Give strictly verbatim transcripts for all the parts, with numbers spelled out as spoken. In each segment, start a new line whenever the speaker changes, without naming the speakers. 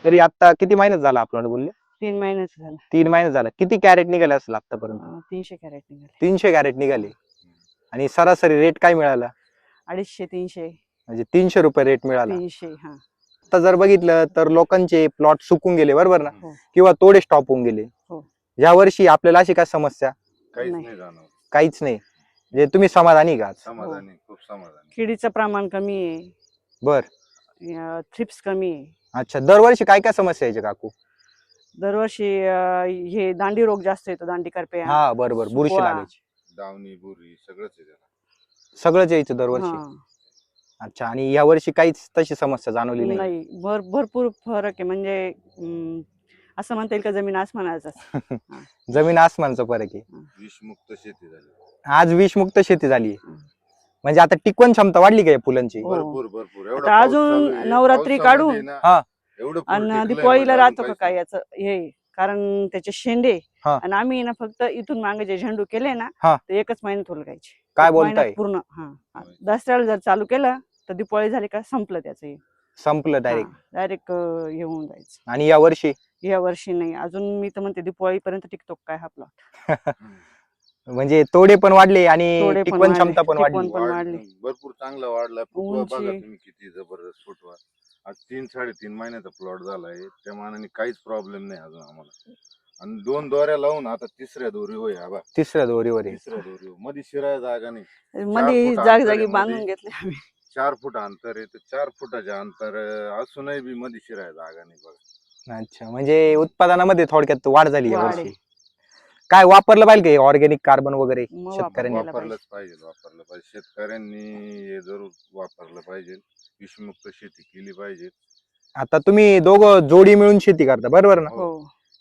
तरी आता किती महिन्यात झाला आपल्याला बोलले?
तीन महिन्याचं झालं.
तीन महिने झाला. किती कॅरेट निघाले असेल आतापर्यंत?
अं, तीनशे कॅरेट निघाले.
तीनशे कॅरेट निघाले. आणि सरासरी रेट काय मिळाला?
अडीचशे तीनशे
म्हणजे तीनशे रुपये रेट मिळाला.
तीनशे हा.
आता जर बघितलं तर लोकांचे प्लॉट सुकून गेले बरोबर ना,
हो.
किंवा तोडे स्टॉप होऊन गेले.
हो.
या वर्षी आपल्याला अशी काय समस्या?
काहीच
नाही.
नाही जाणवत.
काहीच नाही. म्हणजे तुम्ही समाधानी का आज?
समाधानी, खूप समाधानी.
किडीचं प्रमाण कमी आहे.
बर.
थ्रिप्स कमी आहे.
अच्छा, दरवर्षी काय काय समस्या यायच्या काकू?
दरवर्षी अं, हे दांडी रोग जास्त येतो. दांडी करप्या,
हा बरोबर, बुरशी
सुकवा.
लागायची.
दावणी बुरी सगळंच आहे त्याला.
सगळंच यायचं दरवर्षी.
हा.
अच्छा, आणि या वर्षी काहीच तशी समस्या जाणवली नाही?
नाही, भर भरपूर फरक आहे. म्हणजे अं, असं म्हणता येईल का जमीन आसमानाचा.
जमीन आसमानचा फरक आहे.
विषमुक्त शेती झाली.
आज विषमुक्त शेती झाली.
हं.
म्हणजे आता टिकवण क्षमता वाढली का या फुलांची?
हो.
भरपूर भरपूर. एवढा
आता
पाऊस
अजून
चालू आहे,
नवरात्री
पावसामध्ये
काढून
ना,
हा.
एवढं फुल
आणि
टिकलंय
दिवाळीला
म्हणजे
राहतो
अजून
का काय
काहीच
याचं हे, कारण त्याचे शेंडे.
हा.
आणि आम्ही ना फक्त इथून मागे जे झेंडू केले ना,
हा.
ते एकच महिन्यात उलगायचे.
काय
एक
बोलताय?
महिन्यात पूर्ण. हा. दसऱ्याला जर चालू केलं तर दिवाळी झाली का संपलं त्याचं हे.
संपलं डायरेक्ट.
डायरेक्ट हे होऊन जायचं.
आणि या वर्षी?
या वर्षी नाही. अजून मी तर म्हणते दिवाळीपर्यंत टिकतो काय हा प्लॉट.
म्हणजे तोडे पण वाढले आणि
तोडे पण
टिकवण
वाढले,
क्षमता पण वाढली.
टिकवण पण वाढली.
भरपूर चांगला वाढला. फुटवा
उंची.
बघा तुम्ही किती जबरदस्त फुटवा. आज तीन साडेतीन महिन्याचा प्लॉट झालाय. त्या मानाने काहीच प्रॉब्लेम नाही अजून आम्हाला. आणि दोन दोऱ्या लावून आता तिसऱ्या दोरी होय. आबा
तिसऱ्या दोरीवर आहे.
तिसऱ्या दोरी मध्ये शिराय जागा नाही.
मध्ये
फूट
जाग
अंतर
जागी
आहे
बांधून
मध्ये.
घेतले आम्ही.
चार फूट अंतर आहे. तर चार फुटाच्या अंतर असूनही बी मध्ये शिराय जागा नाही बघा.
अच्छा, म्हणजे उत्पादनामध्ये थोडक्यात वाढ झाली या
वाढ
वर्षी.
आहे.
काय वापरलं पाहिजे का ऑर्गॅनिक कार्बन वगैरे
मग
शेतकऱ्यांनी?
वापरायला
वापरलंच पाहिजे वापरलं पाहिजे. शेतकऱ्यांनी हे जरूर वापरलं पाहिजे. विषमुक्त शेती केली पाहिजे.
आता तुम्ही दोघं जोडी मिळून शेती करता बरोबर ना?
हो.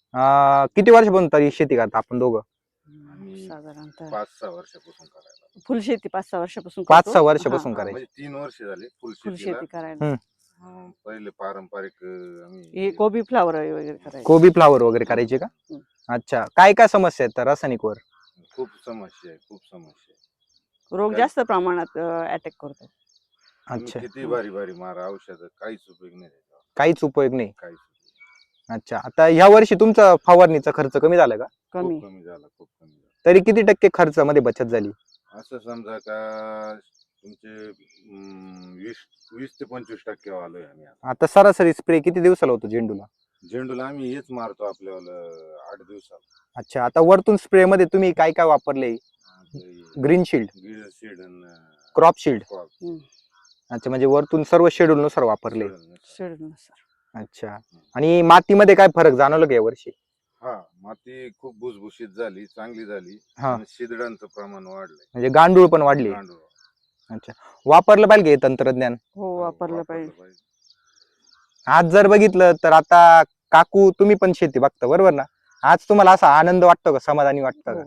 अं, किती वर्षापासून तरी शेती करता आपण दोघं?
आम्ही
साधारणतः
पाच सहा वर्षापासून करायला.
फुल शेती पाच सहा वर्षापासून
पाच
करतो.
सहा वर्षापासून
हा,
हा,
करायची.
म्हणजे तीन वर्ष झाली फुल
फुल
शेतीला.
शेती करायला.
हम्म.
अं, पहिले पारंपरिक अं,
हे
आम्ही
कोबी फ्लावर वगैरे करायचे.
कोबी फ्लावर वगैरे करायचे का?
हम्म.
अच्छा, काय काय समस्या आहेत रासायनिक वर?
खूप समस्या आहे. खूप समस्या आहे.
रोग
काय-
जास्त प्रमाणात अटॅक करतो.
तुम्ही
अच्छा,
किती भारी भारी मारा औषध काहीच उपयोग नाही त्याचा.
काहीच उपयोग नाही.
काहीच उपयोग नाही.
अच्छा, आता ह्या वर्षी तुमचा फवारणीचा खर्च कमी झाला का?
कमी.
खूप कमी झाला. खूप कमी झाला.
तरी किती टक्के खर्चामध्ये बचत झाली?
असं समजा का तुमचे अं, वीस वीस ते पंचवीस टक्के आलोय आम्ही आता.
आता सरासरी स्प्रे किती दिवसाला होतो झेंडूला?
झेंडूला आम्ही हेच मारतो आपल्याला आठ दिवसात.
अच्छा, आता वरतून स्प्रे मध्ये तुम्ही काय काय वापरले? ग्रीन शिल्ड,
गिळ सीड आणि
क्रॉप शिल्ड.
Crop
hmm.
अच्छा, म्हणजे वरतून सर्व शेड्यूल नुसार वापरले.
शेड्यूलनुसार.
अच्छा, आणि मातीमध्ये काय फरक जाणवलं का या वर्षी?
हा, माती खूप भुसभुशीत झाली, चांगली झाली.
हा.
आणि शिदडांचं प्रमाण वाढलंय.
म्हणजे गांडूळ पण वाढले.
गांडूळ.
अच्छा, वापरलं पाहिजे हे तंत्रज्ञान.
हो, वापरलं पाहिजे.
आज जर बघितलं तर आता काकू तुम्ही पण शेती बघता बरोबर ना? आज तुम्हाला असा आनंद वाटतो का, समाधानी वाटतं का?
हो.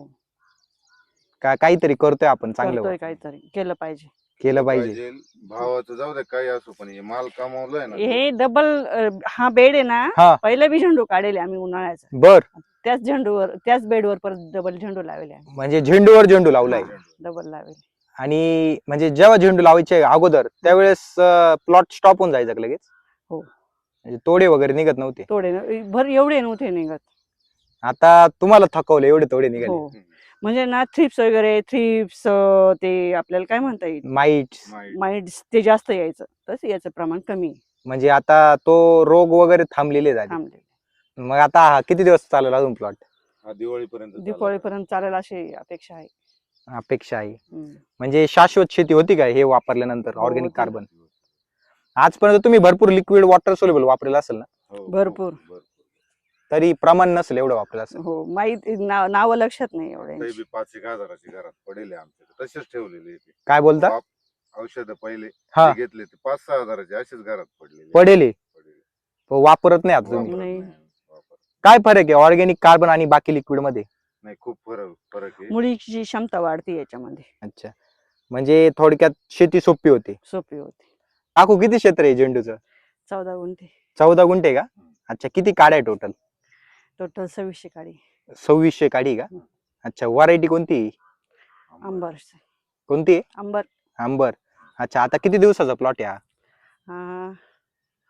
का काहीतरी करतोय आपण चांगलं?
करतोय काहीतरी, केलं पाहिजे.
केलं पाहिजे.
भावाचं जाऊ दे काही असो, पण हे माल कमावलंय ना.
हे डबल हा बेड आहे ना,
हा.
पहिला बी झेंडू काढले आम्ही उन्हाळ्याचा.
बर.
त्याच झेंडूवर त्याच बेडवर परत डबल झेंडू लावले आम्ही.
म्हणजे झेंडूवर झेंडू लावलाय.
डबल लावले.
आणि म्हणजे जेव्हा झेंडू लावायचे अगोदर त्यावेळेस प्लॉट स्टॉप होऊन जायचा का लगेच?
हो.
म्हणजे तोडे वगैरे निघत नव्हते?
तोडे न- भर एवढे नव्हते निघत.
आता तुम्हाला थकवले एवढे तोडे निघाले.
हो. म्हणजे ना थ्रिप्स वगैरे थ्रिप्स ते आपल्याला काय म्हणता येईल,
माइट्स.
माइट्स ते जास्त यायचं. तसं याचं प्रमाण कमी आहे.
म्हणजे आता तो रोग वगैरे थांबलेले झाले.
थांबले.
मग आता हा किती दिवस चालेल अजून प्लॉट?
हा, दिवाळीपर्यंत.
दिवाळीपर्यंत चालेल अशी अपेक्षा आहे.
अपेक्षा आहे.
हम्म.
म्हणजे शाश्वत शेती होती का हे वापरल्यानंतर
हो,
ऑर्गॅनिक
होती.
कार्बन? आजपर्यंत तुम्ही भरपूर लिक्विड वॉटर सोल्युबल वापरलेलं असेल ना?
हो,
भरपूर.
भरपूर.
तरी प्रमाण नसेल एवढं वापरलं असेल.
हो, माहिती नाव लक्षात नाही एवढे.
काही बी पाच एक हजाराची घरात पडेल आमच्या, तसेच ठेवलेले ते
काय बोलता?
औषध पहिले
हा.
ते घेतले ते पाच सहा हजाराचे असेच घरात पडलेले.
पडेले
पडेले.
वापरत नाही आता तुम्ही?
वापरत
नाही.
नाही, वापरत.
काय फरक आहे ऑर्गॅनिक कार्बन आणि बाकी लिक्विड मध्ये?
नाही, खूप फरक फरक आहे.
मुळीची क्षमता वाढते याच्यामध्ये.
अच्छा, म्हणजे थोडक्यात शेती सोपी होते.
सोपी होते.
काकू किती क्षेत्र आहे झेंडूचं?
चौदा गुंठे.
चौदा गुंठे का? अच्छा, किती काड्या आहे टोटल?
टोटल सव्वीसशे काडी.
सव्वीसशे काडी का? अच्छा, व्हरायटी कोणती?
अंबर.
कोणती आहे?
अंबर.
आंबर. अच्छा, आता किती दिवसाचा प्लॉट आहे हा?
हा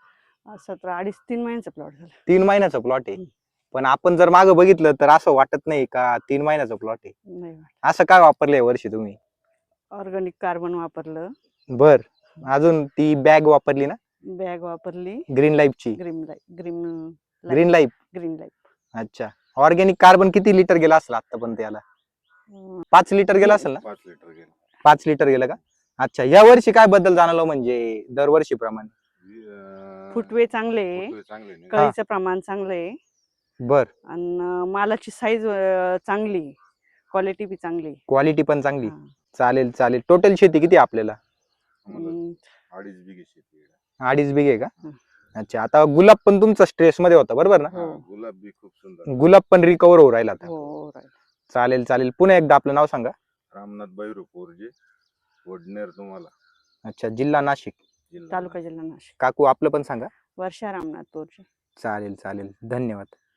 सतरा अडीच तीन महिन्याचा प्लॉट झाला.
तीन महिन्याचा प्लॉट आहे.
हम्म.
पण आपण जर मागं बघितलं तर असं वाटत नाही का तीन महिन्याचा प्लॉट आहे.
नाही वाटत.
असं काय वापरलं या वर्षी तुम्ही?
ऑर्गॅनिक कार्बन वापरलं,
बर, अजून ती बॅग वापरली ना
बॅग वापरली,
ग्रीन लाईफची?
Green life green
green life.
Green life
अच्छा, ऑर्गॅनिक कार्बन किती लिटर गेला असेल आतापर्यंत याला? पाच लिटर गेला असेल ना?
पाच लिटर गेलं.
पाच लिटर गेलं का? अच्छा, या वर्षी काय बदल जाणवला म्हणजे दरवर्षी प्रमाणे?
अं,
फुटवे चांगले,
फुटवे चांगले नाही.
कळीचं प्रमाण चांगलं आहे
बर,
आणि मालाची साईज चांगली, क्वालिटी बी चांगली.
क्वालिटी पण चांगली.
हा.
चालेल चालेल. टोटल शेती किती आहे आपल्याला?
आम्हाला
हम्म,
अडीच बिघे शेती आहे.
अडीच बिघे का?
हं.
अच्छा, आता गुलाब पण तुमचा स्ट्रेस मध्ये होता बरोबर ना?
हा,
हो.
गुलाब बी खूप सुंदर.
गुलाब पण रिकवर होऊ राहिला आता.
हो right.
चालेल चालेल. पुन्हा एकदा आपलं नाव सांगा.
रामनाथ बैरू पोरजे, वडनेर तुम्हाला,
अच्छा, जिल्हा नाशिक.
जिल्हा
तालुका जिल्हा नाशिक.
काकू आपलं पण सांगा.
वर्षा रामनाथ तोरचे.
चालेल चालेल. धन्यवाद.